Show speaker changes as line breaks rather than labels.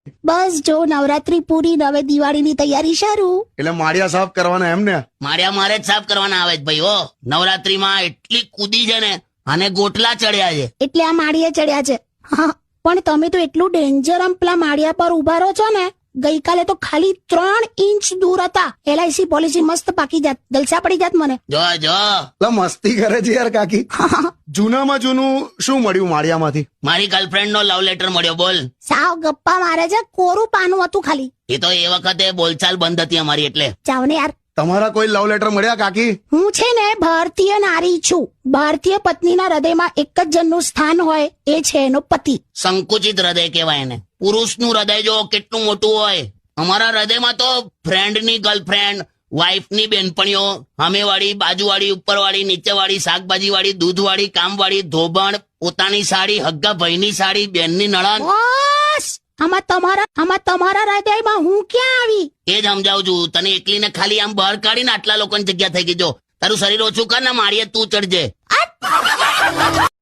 બસ જો નવરાત્રી પૂરી ને હવે દિવાળીની તૈયારી શરૂ.
એટલે માળિયા સાફ કરવાના એમ ને?
માળિયા મારે જ સાફ કરવાના આવે છે ભાઈ. હો નવરાત્રીમાં એટલી કૂદી છે ને, અને ગોટલા ચડ્યા છે.
એટલે આ માળીએ ચડ્યા છે. હા, પણ તમે તો એટલું ડેન્જર આમ પેલા માળિયા પર ઉભા રહો છો ને. ગઈકાલે તો ખાલી 3 ઇંચ દૂર હતા. LIC પોલિસી મસ્ત પાકી જાત, જલસા પડી જાત મને.
જો
એટલે મસ્તી કરે છે યાર કાકી. જૂનામાં જૂનું શું મળ્યું માળિયામાંથી?
મારી ગર્લફ્રેન્ડ નો લવ લેટર મળ્યો. બોલ.
સાવ ગપ્પા મારે છે, કોરું પાનું હતું ખાલી.
એ તો એ વખતે બોલચાલ બંધ હતી અમારી એટલે.
જાવ ને યાર.
તમારા કોઈ લવ લેટર મળ્યા કાકી?
હું છે ને ભારતીય નારી છું. ભારતીય પત્નીના હૃદયમાં એક જ જણનું સ્થાન હોય, એ છે એનો પતિ.
સંકુચિત હૃદય કહેવાય એને. પુરુષનું હૃદય જો કેટલું મોટું હોય. અમારા હૃદયમાં તો ફ્રેન્ડની ગર્લફ્રેન્ડ, વાઈફની બેનપણીઓ, સામેવાળી, બાજુવાળી, ઉપરવાળી, નીચેવાળી, શાકભાજીવાળી, દૂધવાળી, કામવાળી, ધોબણ, પોતાની સાડી, હગ્ગા ભાઈની સાડી, બેનની નણંદ.
બસ આમાં તમારા હૃદયમાં હું ક્યાં આવી?
એ જ સમજાવું છું તને. એકલીને ખાલી આમ બહાર કાઢીને આટલા લોકોની જગ્યા થઈ ગઈ. જો તારું શરીર ઓછું કર ને, માળીએ તું ચડજે.